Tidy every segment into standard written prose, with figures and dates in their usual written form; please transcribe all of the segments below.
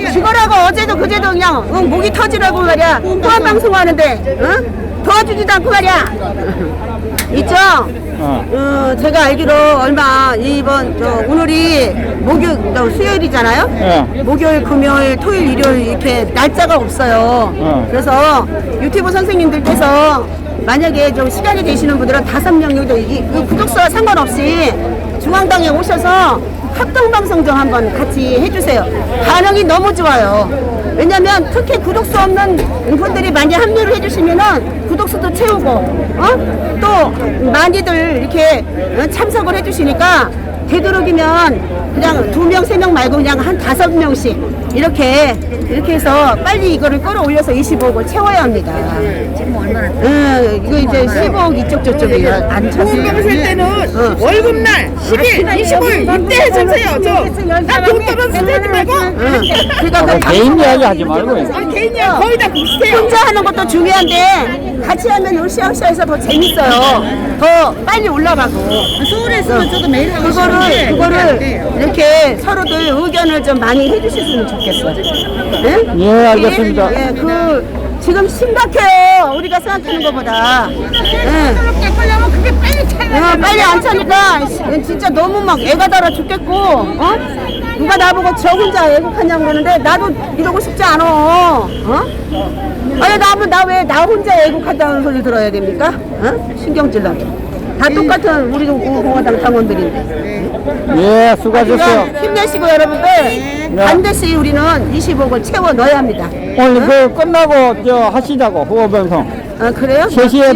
죽어라고 어제도 그제도 그냥 목이 터지라고 말이야. 후한 방송하는데 응? 도와주지도 않고 말이야. 있죠? 제가 알기로 얼마 이번 오늘이 목요일 수요일이잖아요. 목요일, 금요일, 토요일, 일요일 이렇게 날짜가 없어요. 그래서 유튜브 선생님들께서 만약에 좀 시간이 되시는 분들은 5명 정도 그 구독수와 상관없이 중앙당에 오셔서 합동방송 좀 한번 같이 해주세요. 반응이 너무 좋아요. 왜냐면 특히 구독수 없는 분들이 많이 합류를 해주시면은 구독수도 채우고 또 많이들 이렇게 참석을 해주시니까 되도록이면 그냥 2명, 3명 말고 그냥 한 5명씩 이렇게 해서 빨리 이거를 끌어올려서 25억을 채워야 합니다. 지금 얼마나? 이거 이제 15억 이쪽 저쪽이에요. 안 보험금 쓸 때는 월급날 10일, 20일 이때 해주세요. 저돈 떨어서 쓰지 말고. 그러니까 개인 이야기 하지 말고. 개인이야 거의 다 비슷해요. 혼자 하는 것도 중요한데 같이 하면 으쌰으쌰해서 더 재밌어요. 더 빨리 올라가고. 서울에 있으면 저도 매일 하고 싶은데 그거를 이렇게 서로들 의견을 좀 많이 해주셨으면 좋겠어요. 네? 예, 알겠습니다. 예, 지금 심각해요. 우리가 생각하는 것보다. 예. 하려면 그게 빨리 차야 빨리 안 차니까 진짜 너무 막 애가 달아 죽겠고, 누가 나보고 저 혼자 애국하냐고 그러는데 나도 이러고 싶지 않아. 아니 나 왜 나 혼자 애국한다는 소리 들어야 됩니까? 신경질나게. 다 똑같은 우리 공화당 당원들인데. 예, 수고하셨어요. 힘내시고 여러분들 반드시 우리는 20억을 채워 넣어야 합니다. 오늘 그 끝나고 하시자고 후보방송. 그래요? 3시에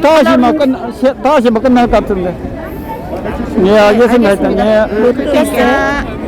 다시 뭐 끝날 것 같은데. 예, 알겠습니다. 일단 예. 그렇게 할게요.